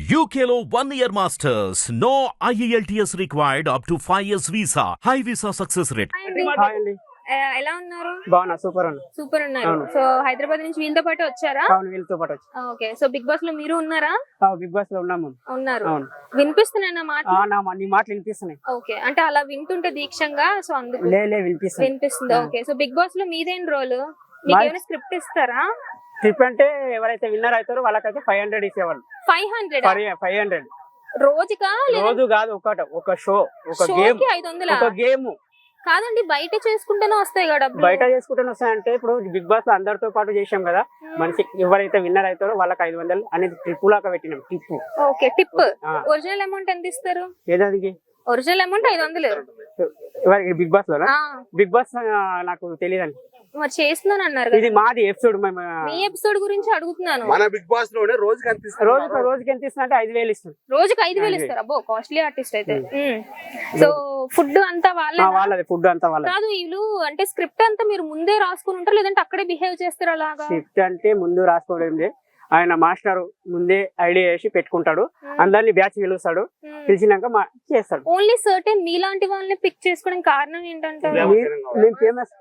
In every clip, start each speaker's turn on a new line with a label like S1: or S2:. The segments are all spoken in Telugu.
S1: UKLO 1 year masters. No IELTS required up to 5 years visa. High visa success rate.
S2: Hi అండి,
S3: ఎలా ఉన్నారు?
S2: బాగున్నా, సూపర్ అన్న.
S3: సూపర్ ఉన్నారు.
S2: అవును.
S3: సో హైదరాబాద్ నుంచి వీళ్ళతో పాటు వచ్చారా?
S2: అవును, వీళ్ళతో పాటు వచ్చి
S3: ఓకే. సో బిగ్ బాస్ లో మీరు ఉన్నారా?
S2: బిగ్ బాస్ లో ఉన్నాము.
S3: ఉన్నారు.
S2: అవును.
S3: వినిపిస్తున్నాయి మాట?
S2: నీ మాటలు వినిపిస్తున్నాయి.
S3: ఓకే, అంటే అలా వింటుంటే దీక్షంగా, సో అందుకు
S2: వినిపిస్తుంది.
S3: వినిపిస్తుంది. ఓకే. సో బిగ్ బాస్ లో మీదేం రోల్? మీకు ఏమైనా స్క్రిప్ట్ ఇస్తారా?
S2: ట్రిప్ అంటే ఎవరైతే విన్నర్ అవుతారో వాళ్ళకైతే 500 ఇచ్చేవాళ్ళు.
S3: 500
S2: 500
S3: రోజుకా?
S2: రోజు కాదు, ఒక షో, ఒక గేమ్,
S3: 500
S2: ఒక గేమ్
S3: కాదండి, బయట చేసుకుంటేనే వస్తాయి కదా డబ్బులు.
S2: బయట చేసుకుంటే వస్తాయంటే ఇప్పుడు బిగ్ బాస్ లో అందరితో పాటు చేసాం కదా, మనిషి ఎవరైతే విన్నర్ అవుతారో వాళ్ళకి 500 అనేది ట్రిప్ లాగా పెట్టినాం. Tip.
S3: Okay, tip. Original amount ఎంత ఇస్తారు?
S2: ఏదానికి?
S3: Original amount 500.
S2: ఎవరికి? బిగ్ బాస్ లో. బిగ్ బాస్ నాకు తెలియదండి.
S3: మరి చేస్తున్నాను అన్నారు.
S2: ఇది మాది ఎపిసోడ్.
S3: మీ ఎపిసోడ్ గురించి అడుగుతున్నాను.
S4: మన బిగ్ బాస్ లోనే రోజుకి ఎంత ఇస్తారు?
S2: రోజుకి ఎంత ఇస్తున్నా అంటే 5,000 ఇస్తుంది.
S3: రోజుకి 5,000 ఇస్తారు. అబ్బో, కాస్ట్లీ ఆర్టిస్ట్ అయితే. సో ఫుడ్ అంతా
S2: వాళ్ళది, ఫుడ్ అంతా వాళ్ళది.
S3: కాదు, వీళ్ళు అంటే స్క్రిప్ట్ అంతా మీరు ముందే రాసుకుని ఉంటారు, లేదంటే అక్కడే బిహేవ్ చేస్తారు అలాగా?
S2: స్క్రిప్ట్ అంటే ముందు రాసుకోవడం, ఆయన మాస్టర్ ముందే ఐడియా చేసి పెట్టుకుంటాడు, అందరినీ బ్యాచ్ పిలుస్తాడు, పిలిచినాక చేస్తాడు.
S3: ఓన్లీ సర్టెన్ మీలాంటి వాళ్ళని పిక్ చేసుకోవడానికి కారణం ఏంటంటే
S2: మేము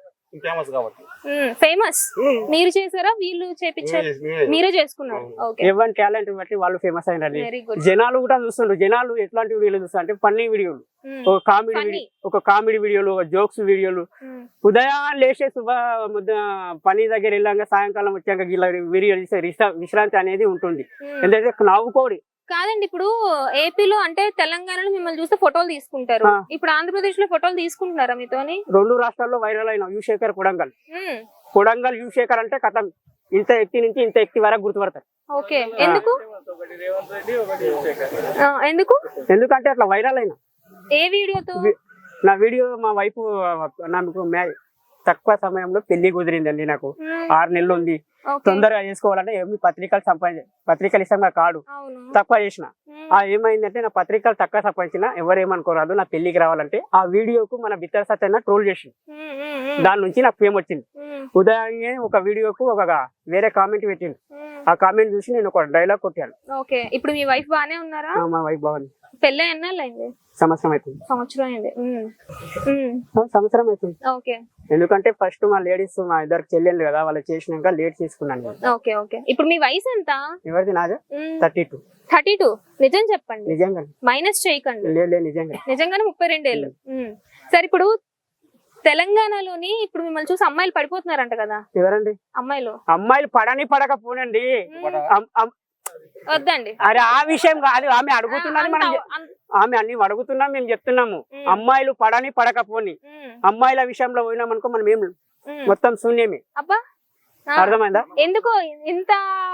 S3: ఫేమస్. మీరు చేసారా, వీళ్ళు చేపించారు? మీరే చేసుకున్నారు.
S2: ఎవరి టాలెంట్ బట్టి వాళ్ళు ఫేమస్ అయినారు.
S3: Very good.
S2: జనాలు కూడా చూస్తుండ్రు. జనాలు ఎట్లాంటి వీడియోలు చూస్తారు అంటే ఫన్నీ వీడియోలు, ఒక కామెడీ వీడియోలు, ఒక జోక్స్ వీడియోలు. ఉదయాన్ని లేచే పని దగ్గర వెళ్ళాక సాయంకాలం వచ్చాక వీడియో విశ్రాంతి అనేది ఉంటుంది. ఎందుకంటే నవ్వుకోడి.
S3: కాదండి, ఇప్పుడు ఏపీలో అంటే తెలంగాణలో మిమ్మల్ని చూస్తే ఫోటోలు తీసుకుంటారు, ఇప్పుడు ఆంధ్రప్రదేశ్ లో ఫోటోలు తీసుకుంటున్నారా మీతోని?
S2: 2 రాష్ట్రాల్లో వైరల్ అయిన యుశేఖర్ కొడంగల్ యుశేఖర్ అంటే కథం ఇంత ఎక్తి నుంచి ఇంత ఎక్తి వరకు గుర్తుపడతారు.
S3: ఓకే.
S2: ఎందుకంటే అట్లా వైరల్ అయినా.
S3: ఏ వీడియోతో?
S2: నా వీడియో మా వైపు నాకు తక్కువ సమయంలో పెళ్లి కుదిరిందండి. నాకు 6 నెలలు ఉంది. తొందరగా చేసుకోవాలంటే ఏమి పత్రికలు ఇష్టంగా కాదు, తక్కువ చేసిన. ఏమైందంటే నా పత్రికలు తక్కువ సంపాదించిన ఎవరేమనుకోరాదు, నా పెళ్లికి రావాలంటే ఆ వీడియోకు మన బిత్తర సత్యన్న ట్రోల్ చేసి దాని నుంచి నాకు ఫేమ్ వచ్చింది. ఉదయాన్నే ఒక వీడియోకు వేరే కామెంట్ పెట్టింది. ఆ కామెంట్ చూసి నేను ఒక డైలాగ్ కొట్టాను.
S3: ఓకే. ఇప్పుడు మీ వైఫ్ బానే ఉన్నారా?
S2: మా వైఫ్ బాగుంది.
S3: పెళ్ళి ఎన్నాళ్ళైంది?
S2: సంవత్సరం అవుతుంది. సంవత్సరం అవుతుంది.
S3: ఓకే.
S2: ఎందుకంటే ఫస్ట్ మా లేడీస్, మా ఇద్దరు చెల్లెళ్ళు కదా, వాళ్ళు చేసినాక లేట్ తీసుకున్నాను.
S3: ఓకే. ఓకే. ఇప్పుడు మీ వయసు ఎంత?
S2: ఎవరిది? నాదే 32.
S3: 32. నిజం చెప్పండి.
S2: నిజంగా
S3: మైనస్ చేయకండి.
S2: లేదు,
S3: నిజంగానే 32 ఏళ్ళు. సరే, ఇప్పుడు తెలంగాణలోని ఇప్పుడు మిమ్మల్ని చూసి అమ్మాయిలు పడిపోతున్నారంట కదా?
S2: ఎవరండి? అమ్మాయిలు పడకపోనండి.
S3: వద్దండి,
S2: అరే ఆ విషయం కాదు. ఆమె అడుగుతున్నది, ఆమె అన్ని అడుగుతున్నాం, మేము చెప్తున్నాము. అమ్మాయిలు పడకపోని, అమ్మాయిల విషయంలో పోయినామనుకో మనం ఏం మొత్తం శూన్యమే.
S3: అబ్బా,
S2: అర్థమైందా?
S3: ఎందుకో ఇంత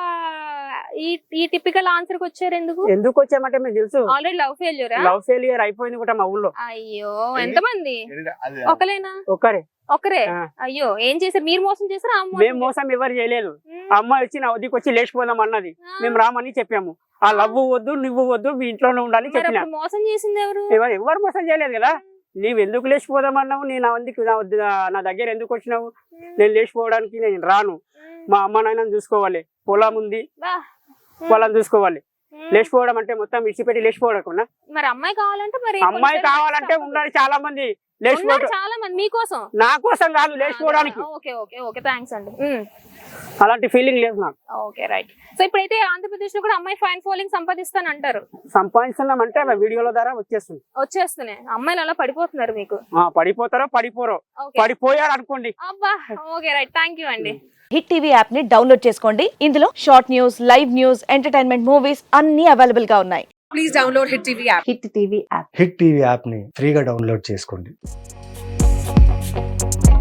S3: ఈ టిపికల్ ఆన్సర్ కి వచ్చారు?
S2: ఎందుకు వచ్చామంటే మేము తెలుసు,
S3: ఆల్రెడీ లవ్ ఫెయిల్యూర్ అయిపోయింది
S2: కూడా మా ఊళ్ళో.
S3: అయ్యో, ఎంతమంది? ఒకలేనా? ఒకరే. అయ్యో, ఏం చేశారు? మీరు మోసం చేశారా?
S2: మేము మోసం ఎవరు చేయలేదు. అమ్మాయి వచ్చి నా వద్దకు వచ్చి లేచిపోదాం అన్నది, మేము రామని చెప్పాము. ఆ లవ్వు వద్దు, నువ్వు వద్దు, మీ ఇంట్లోనే ఉండాలి చెప్పినా.
S3: మోసం చేసింది ఎవరు?
S2: ఎవరు మోసం చేయలేదు కదా. నీవు ఎందుకు లేచిపోదామన్నావు? నా దగ్గర ఎందుకు వచ్చినావు? నేను లేచిపోవడానికి నేను రాను. మా అమ్మ నాయనని చూసుకోవాలి, పొలం ఉంది, పొలం చూసుకోవాలి. లేచిపోవడం అంటే మొత్తం విడిచిపెట్టి లేచిపోవడం.
S3: మరి అమ్మాయి కావాలంటే
S2: ఉండాలి. చాలా మంది
S3: చాలా మంది మీకోసం,
S2: నా కోసం కాదు, లేచిపోవడానికి. అలాంటి ఫీలింగ్ లేదు నాకు.
S3: Okay, right. సో ఇప్పుడైతే ఆంధ్రప్రదేశ్ లో కూడా అమ్మాయి ఫ్యాన్ ఫాలోయింగ్ సంపాదిస్తానంటారు.
S2: సంపాదిస్తున్నామంటే వీడియోల ద్వారా వచ్చేస్తున్నాయి.
S3: అమ్మాయిలు అలా పడిపోతున్నారు మీకు.
S2: పడిపోరో పడిపోయారు అనుకోండి.
S3: అబ్బా, ఓకే, రైట్. థ్యాంక్ యూ అండి.
S5: హిట్ టీవీ యాప్ ని డౌన్లోడ్ చేసుకోండి. ఇందులో short news, live news, entertainment movies అన్ని అవైలబుల్ గా ఉన్నాయి.
S6: Please download Hit TV app.
S5: Hit TV app
S7: Hit TV app ని ఫ్రీగా డౌన్లోడ్ చేసుకోండి.